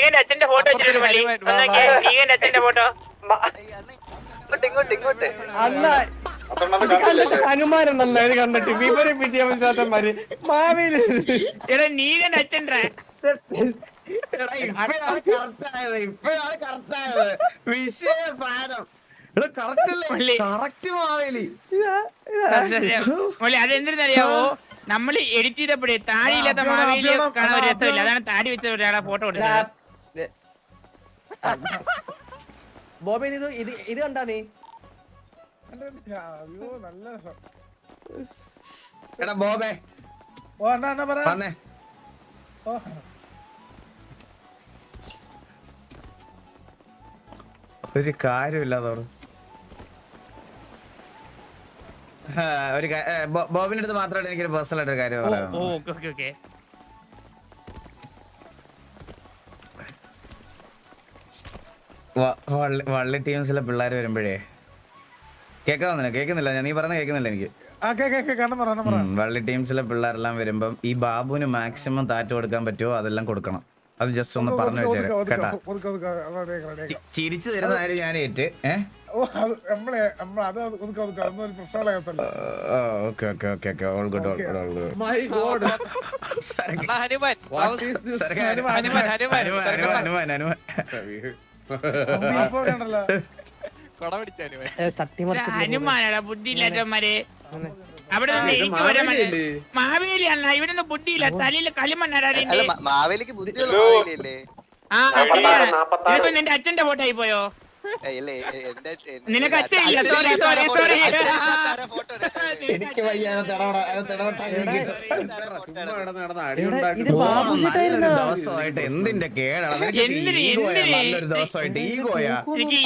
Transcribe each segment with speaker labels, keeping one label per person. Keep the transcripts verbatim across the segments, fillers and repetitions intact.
Speaker 1: നീകന്റെ അച്ഛന്റെ ഫോട്ടോ വെച്ചിട്ടുണ്ട് മള്ളി. നീകന്റെ അച്ഛന്റെ ഫോട്ടോ
Speaker 2: അണ്ണ അനുമാനല്ല ഇത് കണ്ടിട്ട് വിവര വിദ്യാഭ്യാസന്മാര് മാവേലി
Speaker 1: എടാ നീകന്റെ അച്ഛൻ്റെ
Speaker 3: ഇപ്പഴാണ് കറക്റ്റായത് ഇപ്പഴാണ് കറക്റ്റായത് വിഷയ സാധനം കറക്റ്റ് മാവേലി.
Speaker 1: അതെന്തിനറിയാവോ നമ്മള് എഡിറ്റ് ചെയ്തപ്പോഴേ താടിയില്ലാത്ത മാവേലി കാണാൻ ഒരു രസമില്ല. അതാണ് താടി വെച്ച ഒരാളെ ഫോട്ടോ കൊടുത്തത്.
Speaker 2: ബോബി ഇത് ഇത് ഇത് കണ്ടാ നീ
Speaker 3: എടാ ബോബേ വന്നേ. ഒരു കാര്യമില്ലാതോട് ഒരു ബോബിന്റെ അടുത്ത് മാത്രമായിട്ട് എനിക്കൊരു പേഴ്സണൽ ആയിട്ട് ഒരു കാര്യം പറയാം. വള്ളി ടീംസിലെ പിള്ളേർ വരുമ്പോഴേ കേൾക്കാവുന്നില്ല കേൾക്കുന്നില്ല ഞാൻ നീ പറഞ്ഞ കേൾക്കുന്നില്ല എനിക്ക്. വള്ളി ടീംസിലെ പിള്ളേരെല്ലാം വരുമ്പം ഈ ബാബുവിന് മാക്സിമം താറ്റ് കൊടുക്കാൻ പറ്റുമോ അതെല്ലാം കൊടുക്കണം. അത് ജസ്റ്റ് ഒന്ന് പറഞ്ഞു വെച്ചേരാ കേട്ടാ. ചിരിച്ചു തരുന്ന കാര്യം ഞാൻ ഏറ്റ്.
Speaker 1: ഹനുമാനാടാ ബുദ്ധിയില്ലാത്തവന്മാരെ. അവിടെ മാവേലിയാണ് ഇവിടെ നിന്ന് ബുദ്ധിയില്ല. തലയില് കളിമണ്ണാടാ. നിന്റെ അച്ഛന്റെ ഫോട്ടോ ആയി പോയോ? നിനക്ക് അച്ഛനില്ല. സോറി സോറി സോറി
Speaker 3: എനിക്ക് ദിവസമായിട്ട് എന്തിന്റെ കേടാണ് നല്ലൊരു ദിവസമായിട്ട് ഈഗോയാ.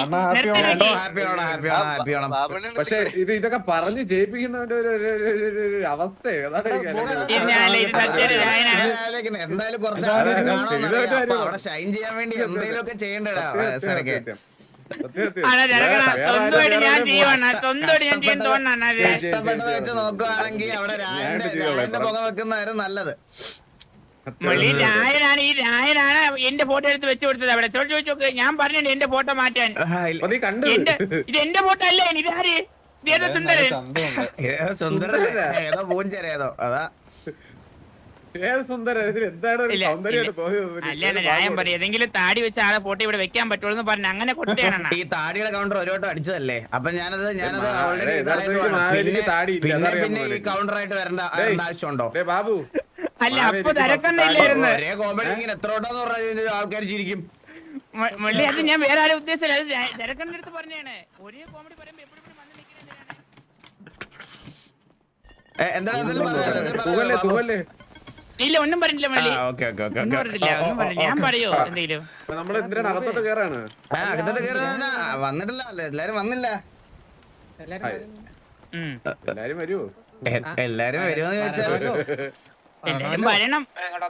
Speaker 4: പക്ഷെ ഇത് ഇതൊക്കെ പറഞ്ഞ് ജയിപ്പിക്കുന്നവന്റെ ഒരു അവസ്ഥ
Speaker 3: എന്തായാലും കുറച്ച് ആൾക്കാർ കാണാൻ അവിടെ ഷൈൻ ചെയ്യാൻ വേണ്ടി എന്തെങ്കിലും ഒക്കെ ചെയ്യണ്ടടാ സരക്കെ. ഇഷ്ടപ്പെട്ടത് വെച്ച് നോക്കുവാണെങ്കിൽ അവിടെ രായന്റെ പുക വെക്കുന്നതായിരുന്നു നല്ലത്.
Speaker 1: രായനാണ് ഈ രായനാണ് എന്റെ ഫോട്ടോ എടുത്ത് വെച്ച് കൊടുത്തത്. അവിടെ ചോദിച്ചു നോക്ക്. ഞാൻ പറഞ്ഞിട്ടുണ്ട് എന്റെ ഫോട്ടോ മാറ്റാൻ. ഇത് എന്റെ ഫോട്ടോ അല്ലേ? ഇതാര്? ഇതേതോ സുന്ദരൻ.
Speaker 3: സുന്ദരൻ ഏതോ പൂഞ്ചരേതോ അതാ
Speaker 1: രായം പറയും ഏതെങ്കിലും താടി വെച്ച ആളെ ഫോട്ടോ ഇവിടെ വെക്കാൻ പറ്റുള്ളൂ പറഞ്ഞു. അങ്ങനെ കൊടുത്തേണ്.
Speaker 3: ഈ താടിയുടെ കൗണ്ടർ ഒരു വട്ടം അടിച്ചതല്ലേ. അപ്പൊ ഞാനത് ഞാനത് ഓൾറെഡി പിന്നെ ഈ കൗണ്ടർ ആയിട്ട് വരേണ്ട ആവശ്യമുണ്ടോ
Speaker 4: ബാബു?
Speaker 1: അല്ല അപ്പൊ തിരക്കണ്ടില്ലായിരുന്നു.
Speaker 3: ഒരേ കോമഡി ഇങ്ങനെ എത്ര വട്ടം പറഞ്ഞ ആൾക്കാർ ചിരിക്കും.
Speaker 1: മള്ളി അത് ഞാൻ വേറെ ആരും ഉദ്ദേശിച്ചില്ല. അത് തിരക്കണ്ട അടുത്ത് പറഞ്ഞാണ്. ഒരേ കോമഡി പറയുമ്പോ എപ്പോഴും വന്ന് നിൽക്കുന്നത്
Speaker 3: എന്താണ്
Speaker 1: ഇല്ല ഒന്നും പറഞ്ഞില്ല മള്ളി. ഞാൻ പറയോ എന്തെങ്കിലും?
Speaker 4: അകത്തോട്ട് കേറാണ്.
Speaker 3: അകത്തോട്ട് കേറാ വന്നിട്ടില്ല. എല്ലാരും വന്നില്ല.
Speaker 4: എല്ലാരും വരുമോ?
Speaker 3: എല്ലാരും വരുമെന്ന് ചോദിച്ചാൽ
Speaker 1: എല്ലാരും വരണം.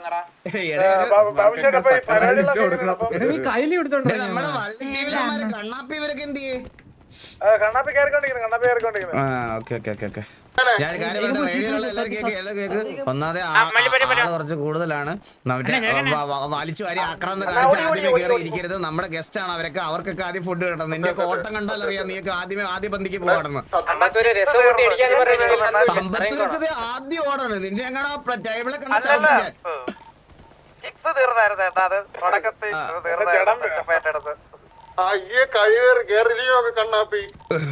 Speaker 3: നമ്മുടെ വള്ളി കണ്ണാപ്പി ഇവരൊക്കെ എന്ത് ചെയ്യേ? ഞാൻ കാര്യം പറഞ്ഞ റേഡിയോയിലുള്ള എല്ലാവരും കേക്ക് എല്ലാം കേക്ക്. ഒന്നാമതെ ആള് കുറച്ച് കൂടുതലാണ്. വലിച്ചു വാരി ആക്രാന്തം കാണിച്ച് ആദ്യമേ കയറി ഇരിക്കരുത്. നമ്മുടെ ഗസ്റ്റ് ആണ് അവരൊക്കെ. അവർക്കൊക്കെ ആദ്യം ഫുഡ് കിട്ടണം. നിന്റെ ഒക്കെ ഓട്ടം കണ്ടാൽ അറിയാം നീക്ക് ആദ്യമേ ആദ്യ പന്തിക്ക് പോകണം. അമ്പത്തിരക്കത് ആദ്യം ഓടാണ്. നിന്റെ എങ്ങനെ ടേബിളെ കണ്ട കണ്ണാപ്പി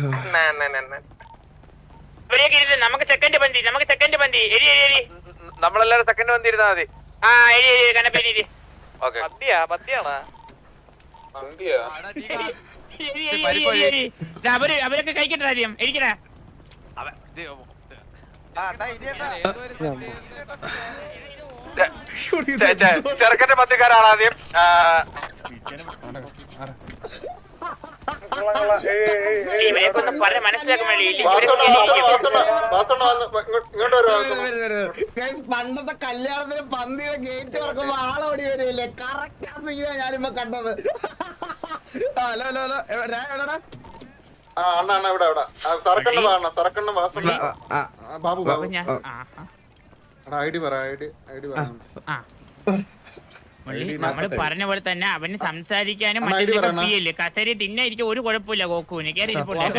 Speaker 1: നമുക്ക് സെക്കൻഡ് ബന്തി നമുക്ക് സെക്കൻഡ് ബന്തി എരി എരി എരി
Speaker 5: നമ്മളെല്ലാരും സെക്കൻഡ് വന്നിരുന്നാ മതി.
Speaker 1: ആ എരി എരി കണ്ണപ്പി എരി.
Speaker 5: പത്തിയാ പത്തിയാണോ?
Speaker 1: അവര് അവരൊക്കെ കഴിക്കട്ടെ ആദ്യം എരിക്കണ.
Speaker 5: ചെറുക്കന്റെ പത്തിക്കാരാണ് ആദ്യം.
Speaker 3: പണ്ടത്തെ കല്യാണത്തിന് പന്തിയുടെ ഗേറ്റ് തുറക്കുമ്പോ ആളോടി വരില്ലേ? കറക്റ്റ് ആ സീനാ ഞാനിപ്പോ കണ്ടത്. ഹലോ ഹലോ ഹലോ എവിടെടാ?
Speaker 4: ബാബു ബാബു ഐഡി പറ ഐഡി ഐഡി പറ.
Speaker 1: നമ്മള് പറഞ്ഞ പോലെ തന്നെ അവന് സംസാരിക്കാനും മറ്റേ കസേര തിന്നായിരിക്കും ഒരു കുഴപ്പമില്ല ഗോക്കുവിന് കയറി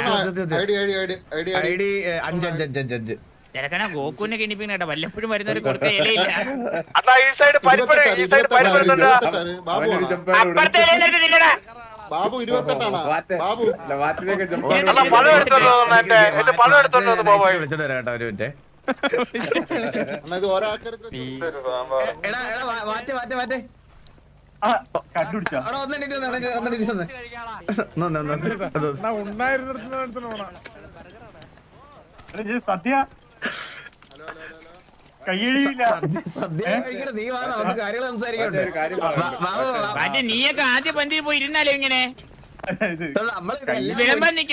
Speaker 3: ഐ ഡി അഞ്ച് അഞ്ച് അഞ്ച് അഞ്ച് അഞ്ച്
Speaker 1: തിരക്കണ ഗോക്കുവിനെ കിണിപ്പിക്കുന്ന കേട്ടോ വല്ലപ്പോഴും വരുന്നവര് കൊടുത്ത ഇലയില്ല
Speaker 5: അതാ ഈ സൈഡ് പരിപ്പട ഈ സൈഡ് പരിപ്പെടുന്നുണ്ട്
Speaker 1: അപ്പുറത്തെ ഇലയിലെടുത്ത് തിന്നടാ
Speaker 6: ബാബു ഇരുപത്തെട്ടാണ് ബാബു
Speaker 5: അല്ല പഴം എടുത്തോണ്ട് വന്നു എന്റെ എന്റെ പഴം എടുത്തോണ്ട് വന്നു ബോബോയ്
Speaker 3: വിളിച്ചിട്ട് വരാം കേട്ടോ ഒരു മിനിറ്റ്
Speaker 6: അണ്ണാ ഇത് ഓരോരുത്തർക്ക്
Speaker 3: എടാ എടാ മാറ്റേ മാറ്റേ മാറ്റേ അവിടെ ഒന്നെണീറ്റ് വന്നേ ഒന്നെണീറ്റ് വന്നേ ഒന്ന് ഒന്ന്
Speaker 7: സദ്യ കയ്യടിയില്ല
Speaker 3: സദ്യ കഴിക്കണം നീ വാ നമുക്ക് കാര്യങ്ങൾ സംസാരിക്കണ്ടേ
Speaker 1: മറ്റേ നീയൊക്കെ ആദ്യ പന്തിയിൽ പോയി ഇരുന്നാലോ ഇങ്ങനെ
Speaker 3: നമ്മള്
Speaker 1: വിളമ്പാൻ നിക്ക്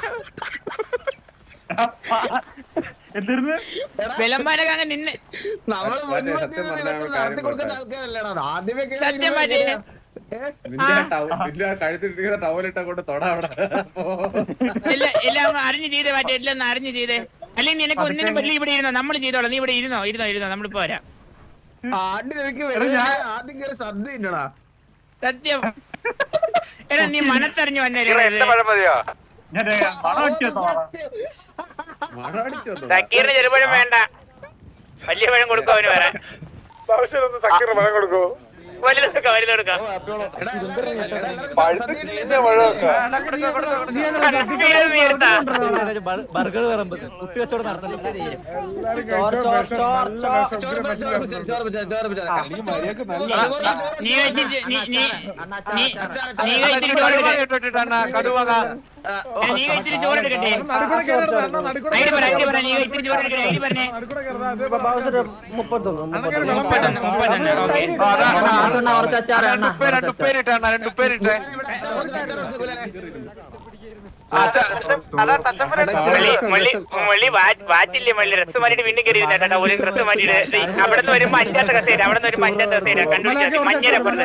Speaker 7: എന്തിരുന്ന്
Speaker 1: വിളമ്പാനൊക്കെ അങ്ങ് നിന്നെ
Speaker 3: നമ്മള് നടത്തി കൊടുക്കുന്ന ആൾക്കാരല്ലേടാ ആദ്യമേ
Speaker 1: സത്യം മറ്റേ
Speaker 4: കഴുത്തിട്ടിരിക്കുന്ന ടവലിട്ട കൊണ്ട് തൊട അവിടെ
Speaker 1: എല്ലാം എല്ലാം അറിഞ്ഞു ചെയ്തേ മറ്റേ എല്ലാം അറിഞ്ഞു ചെയ്തേ അല്ലെങ്കിൽ നിനക്ക് ഒന്നിനും പറ്റില്ല ഇവിടെ ഇരുന്നോ നമ്മൾ ചെയ്തോളാം നീ ഇവിടെ ഇരുന്നോ ഇരുന്നോ ഇരുന്നോ നമ്മളിപ്പോ വരാം
Speaker 3: ആദ്യം കയറി സദ്യ ഇല്ലടാ
Speaker 1: സത്യം എടാ നീ മനസ്സറിഞ്ഞു വന്നേ
Speaker 5: എന്റെ പഴം മതിയോ
Speaker 7: ഞാൻ മണം അടിച്ചോ
Speaker 1: സക്കീറിന് ചെറുപഴം വേണ്ട വലിയ പഴം കൊടുക്കും അവന് വരാൻ
Speaker 5: സക്കീർ പഴം കൊടുക്കോ
Speaker 1: വലുതെടുക്കാം വലുതെടുക്കാം
Speaker 8: ബർഗർ വിളമ്പത് കുട്ടി കച്ചവടം
Speaker 1: നീ കഴിച്ചിട്ട് നീ നീ നീ കഴിച്ചിട്ട് ചോറെടുക്കട്ടെ നീ കഴിച്ചിട്ട് ചോറെടുക്കട്ടെ ഐഡി പറ ഐഡി പറ നീ കഴിച്ചിട്ട് ചോറെടുക്കട്ടെ ഐഡി പറഞ്ഞേ
Speaker 8: മുപ്പത്തൊന്ന്
Speaker 1: മുപ്പത്തൊന്ന് മുപ്പത്തൊന്ന് ഓക്കെ
Speaker 5: രണ്ടുപേരിട്ട രണ്ടുപേരിട്ടെ
Speaker 1: മള്ളി വാറ്റില്ലേ മള്ളി ഡ്രസ് മാറ്റിട്ട് വീണ്ടും കയറി കേട്ടോ ഒരു ഡ്രസ് മാറ്റിട്ട് അവിടെ നിന്ന് വരുമ്പോ അഞ്ചാത്ത കസേര അവിടെ നിന്ന് വരുമ്പോ അഞ്ചാത്ത കസേര കണ്ടുപിടിച്ചാൽ മഞ്ഞരപ്പുറത്ത്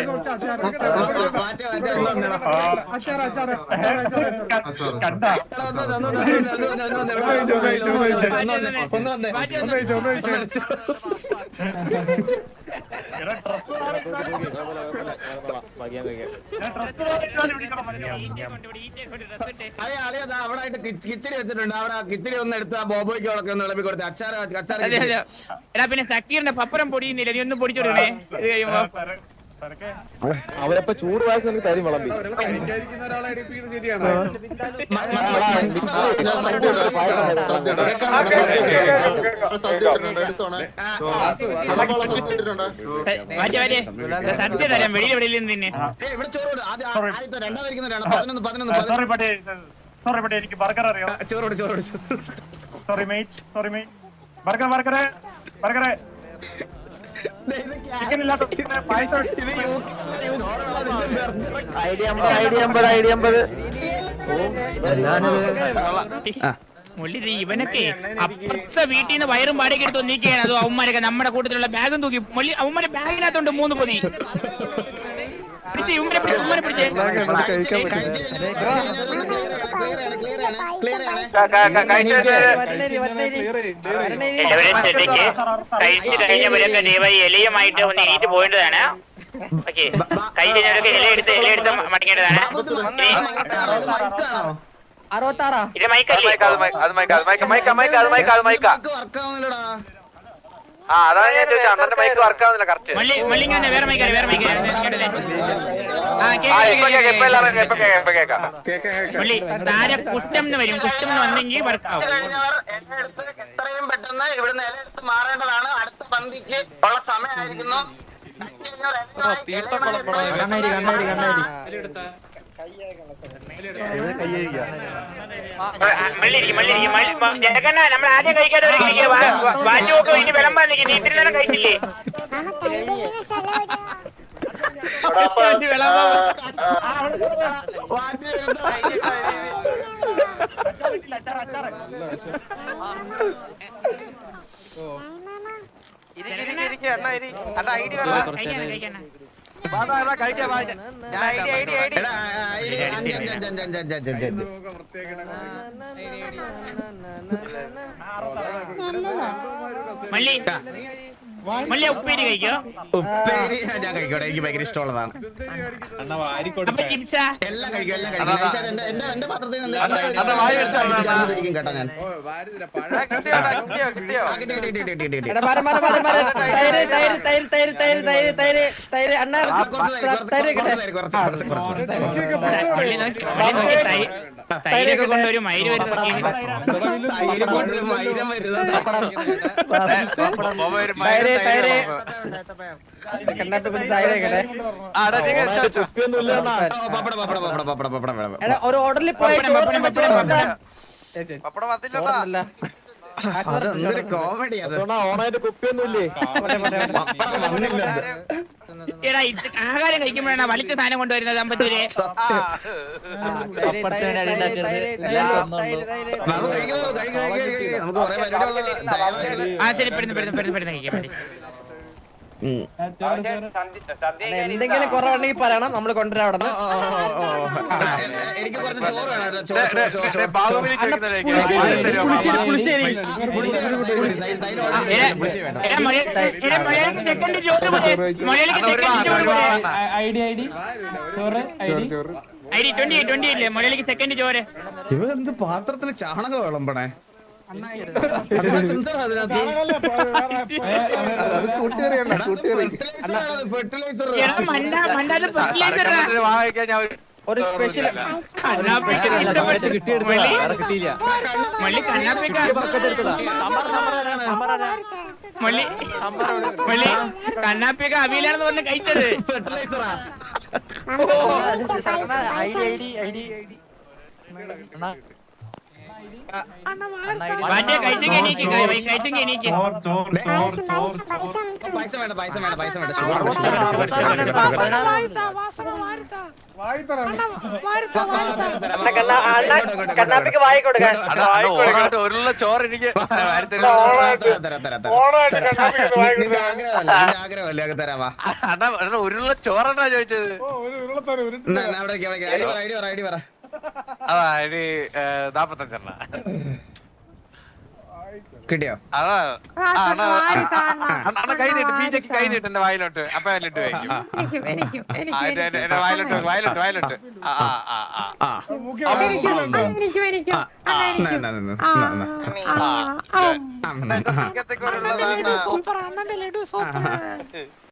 Speaker 3: അവിടെ ആയിട്ട് കിച്ചടി വെച്ചിട്ടുണ്ട് അവിടെ കിച്ചടി ഒന്ന് എടുത്ത് ആ ബോബോയ്ക്ക് അവിടെ ഒന്ന് ഇളമ്പി കൊടുത്തേ അച്ചാറ് അച്ചാറ്
Speaker 1: എടാ പിന്നെ സക്കീറിന്റെ പപ്പരം പൊടിയുന്നില്ല നീ ഒന്നും പൊടിച്ചോടണേ ഇത് കഴിയുമ്പോ
Speaker 6: അവരപ്പ ചൂട് വയസ്സ് നമുക്ക് തരും വിളമ്പി
Speaker 4: കഴിക്കാതിരിക്കുന്ന ഒരാളെ അടിപ്പിക്കുന്ന ശരിയാണ്
Speaker 1: മാറ്റി മാറ്റി സത്യം തരാം വെളിയിൽ വെളിയിൽ നിന്ന് തന്നെ
Speaker 3: ഇവിടെ ചോറ് ആദ്യത്തെ രണ്ടാമരിക്കുന്നവരാണ് പതിനൊന്ന് പതിനൊന്ന്
Speaker 7: സോറി പട്ടേ സോറി പട്ടേ എനിക്ക് ബർഗർ അറിയാം
Speaker 3: ചോറോട് ചോറോട്
Speaker 7: sorry mate sorry mate burger burger burger chicken ഇല്ലാത്ത പായസം
Speaker 8: ഐഡിയ അമ്പത് ഐഡിയ അമ്പത് ഐഡിയ അമ്പത്
Speaker 1: മുള്ളി ഇവനൊക്കെ അപ്പുറത്തെ വീട്ടിൽ നിന്ന് വയറും പാടേക്ക് എടുത്ത് നീക്കുകയാണ് അതോ അവന്മാരൊക്കെ നമ്മുടെ കൂട്ടത്തിലുള്ള ബാഗും തൂക്കി മുള്ളി അവന്മാരെ ബാഗിനകത്തോണ്ട് മൂന്ന് പൊതി പിടിച്ച് ഇവന്മാരെ പിടിച്ച് ഉമ്മനെ പിടിച്ചേ കഴിച്ചു കഴിഞ്ഞവരൊക്കെ ദയവായി ഇലയുമായിട്ട് ഒന്ന് എണീറ്റ് പോയിട്ടതാണ് ഓക്കെ കൈ കഴിഞ്ഞവരൊക്കെ ഇല എടുത്ത് ഇല എടുത്ത് മടങ്ങേണ്ടതാണ് ഇത് മൈക്കല്ലേ
Speaker 5: അത് മൈക്ക അത് മൈക്ക മൈക്ക മൈക്ക അത് മൈക്ക അത് മൈക്ക ആ അതാണ് ഞാൻ ചോദിച്ചത് അണ്ണന്റെ മൈക്ക് വർക്ക് ആവുന്നില്ല കറക്റ്റ്
Speaker 1: മള്ളി മള്ളിങ്ങ വേറെ മൈക്കാര് വേറെ മൈക്കാര് മള്ളി താരെ കുറ്റം എന്ന് വരും കുറ്റം എന്ന് വന്നെങ്കിൽ വർക്ക് ആവും
Speaker 3: എത്രയും പെട്ടെന്ന് ഇവിടുന്ന് ഇല എടുത്ത് മാറേണ്ടതാണ് അടുത്ത പന്തിക്ക് ഉള്ള സമയമായിരിക്കുന്നു
Speaker 1: നമ്മൾ ആദ്യം കഴിക്കാതെ വാറ്റുമൊക്കെ ഇനി വിളമ്പാൻ നിൽക്കും നീ ഇത്തിരി നേരം കഴിച്ചില്ലേ മള്ളി മല്ലി ഉപ്പേരി കഴിക്കോ?
Speaker 3: ഉപ്പേരി ഞാൻ കഴിക്കട്ടെ, എനിക്ക് ഭയങ്കര ഇഷ്ടമുള്ളതാണ്.
Speaker 1: അപ്പൊ ചിപ്സാ?
Speaker 3: എല്ലാം കഴിക്കും, എല്ലാം കഴിക്കും. കഴിച്ചാൽ എന്റെ എന്റെ എന്റെ പാത്രത്തിൽ നിന്ന്
Speaker 5: അണ്ണാ വായി വെച്ചാ
Speaker 3: ഇരിക്കും കേട്ടോ ഞാൻ.
Speaker 4: ഓ വാരുന്നില്ല പഴ
Speaker 5: കിട്ടിയോ കിട്ടിയോ കിട്ടിയോ
Speaker 3: ആ, കിട്ടി, കിട്ടി, കിട്ടി, കിട്ടി, കിട്ടി.
Speaker 2: എടാ മാറി മാറി മാറി മാറി തൈര് തൈര് തൈര് തൈര് തൈര് തൈര് തൈര് തൈര് അണ്ണാ
Speaker 3: ആ, കുറച്ച് തൈര്, കുറച്ച്,
Speaker 2: തൈര്
Speaker 3: കുറച്ച് തൈര്, കുറച്ച്, കുറച്ച്, കുറച്ച്.
Speaker 1: മള്ളി നോക്കി മള്ളി നോക്കി തൈ- തൈരൊക്കെ കൊണ്ടൊരു മയില് വരുന്ന നോക്കി.
Speaker 3: തൈര് കൊണ്ട് മൈരം വരുന്നത്.
Speaker 2: തൈര് തൈര് കണ്ണാട്ട് പിന്നെ തൈര് കേട്ടെ.
Speaker 6: കുപ്പിയൊന്നും ഇല്ല അണ്ണാ.
Speaker 3: ഓ, പപ്പടം, പപ്പടം, പപ്പടം, പപ്പടം, പപ്പടം വേണം.
Speaker 2: എടാ ഒരു ഓർഡറിൽ പോയി
Speaker 1: പപ്പടം, പപ്പടം, പപ്പടം, പപ്പടം.
Speaker 5: പപ്പടം വന്നില്ലട്ടാ.
Speaker 3: അത് എന്തൊരു കോമഡി അത്.
Speaker 6: അണ്ണാ ഓണായിട്ട് കുപ്പിയൊന്നും ഇല്ലേ?
Speaker 3: പപ്പടം വന്നില്ല.
Speaker 1: എടാ ഇത് ആഹാരം കഴിക്കുമ്പോഴാണ് വലിക്ക് സാധനം കൊണ്ടുവരുന്നത് അമ്പത്തൂര്.
Speaker 3: നമുക്ക് കഴിക്കുമോ? കഴിക്കും, കഴിക്കും, കഴിക്കും. നമുക്ക് കുറെ പരിപാടി ഉള്ളതാ.
Speaker 1: ആ ശരി പെടുന്നു പെടുന്നു പെടുന്നു പെടുന്നു കഴിക്കാൻ മതി.
Speaker 3: ഉം.
Speaker 2: എന്തെങ്കിലും കുറവുണ്ടെങ്കിൽ പറയണം, നമ്മൾ കൊണ്ടുവരാം അവിടെ
Speaker 3: ഓ, ഓ, ഓ, ഓ. എനിക്ക് കുറച്ച് ചോറ് വേണം കേട്ടോ. ചോറ്, ചോറ്, ചോറ്, ചോറ്.
Speaker 5: ബാഹുബലി ചോദിക്കുന്നതിലേക്ക്
Speaker 2: പുളിശ്ശേരി
Speaker 3: പുളിശ്ശേരി വേണം, തൈര് വേണം, തൈര്, തൈര്
Speaker 1: എടാ,
Speaker 3: വേണം, പുളിശ്ശേരി വേണം.
Speaker 1: എടാ, മലയാളി- എടാ, മലയാളിക്ക് സെക്കൻഡ് ചോറ് കൊടുക്ക്. മലയാളിക്ക് സെക്കൻഡ് ചോറ് കൊടുക്ക്. ഐ ഡി ട്വന്റി ട്വന്റി ഇല്ലേ മലയാളിക്ക് സെക്കൻഡ് ചോറ്.
Speaker 3: ഇവ എന്ത് പാത്രത്തിൽ ചാണകം വിളമ്പണേ? അതിനകത്ത് എന്താ അതിനകത്ത്? ഫെർട്ടിലൈസർ.
Speaker 1: എടാ മണ്ട മണ്ടാല് ഫെർട്ടിലൈസർ
Speaker 5: വാങ്ങിക്കാൻ ഞാൻ ഒരു
Speaker 2: ഒരു സ്പെഷ്യൽ
Speaker 1: കണ്ണാപ്പിക്ക് ഇഷ്ടപ്പെട്ടു. മള്ളി മള്ളി കണ്ണാപ്പിക്ക മള്ളി മള്ളി കണ്ണാപ്പിയൊക്കെ അവിയിലാണെന്ന് പറഞ്ഞ് കഴിച്ചത്.
Speaker 3: ഫെർട്ടിലൈസറാ.
Speaker 1: മറ്റേ കഴിച്ചെങ്കിൽ എണീക്ക് കഴിച്ചെങ്കിൽ എണീക്ക്.
Speaker 3: പൈസ വേണ്ട, പൈസ വേണ്ട, പൈസ വേണ്ട. ഷുഗർ ഉണ്ട്, ഷുഗർ ഉണ്ട്, ഷുഗർ, ഷുഗർ, ഷുഗർ, ഷുഗർ.
Speaker 2: കണ്ണാപ്പിക്ക് വായി കൊടുക്കാൻ
Speaker 5: അണ്ണാ, അണ്ണാ, ഓണായിട്ട് ഒരുള്ള ചോറ് എനിക്ക് വാരിത്തരുമോ?
Speaker 3: നിന്റെ ആഗ്രഹമല്ല, നിന്റെ ആഗ്രഹമല്ലേ അങ്ങ് തരാവാ.
Speaker 5: അണ്ണാ അണ്ണാ, ഒരുള്ള ചോറെന്നാ ചോദിച്ചത്?
Speaker 3: എന്നാ, എന്നാ, അവിടേക്ക്, അവിടേക്ക്. ഐഡി പറ, ഐഡി പറ, ഐഡി പറ.
Speaker 5: അതാ ഇനി നാപ്പത്തഞ്ചെണ്ണ
Speaker 3: കിട്ടിയോ?
Speaker 5: അതാ അണ്ണാ അണ്ണാ കൈ നീട്ട്, ബീജക്ക് കൈ നീട്ട് എന്റെ വായിലോട്ട്. അപ്പൊ അതിലിട്ട് കഴിക്കും. ആ, എന്റെ എന്റെ- എന്റെ വായിലോട്ട് വായിലോട്ട് വായിലോട്ട് ആ ആ ആ ആ
Speaker 3: ആ. ആ, എന്നാ, എന്നാ, എന്നാ, എന്നാ, എന്നാ.
Speaker 5: ആ, ഇത് സിംഗത്തൊക്കെ ഒരുള്ളതാണ്.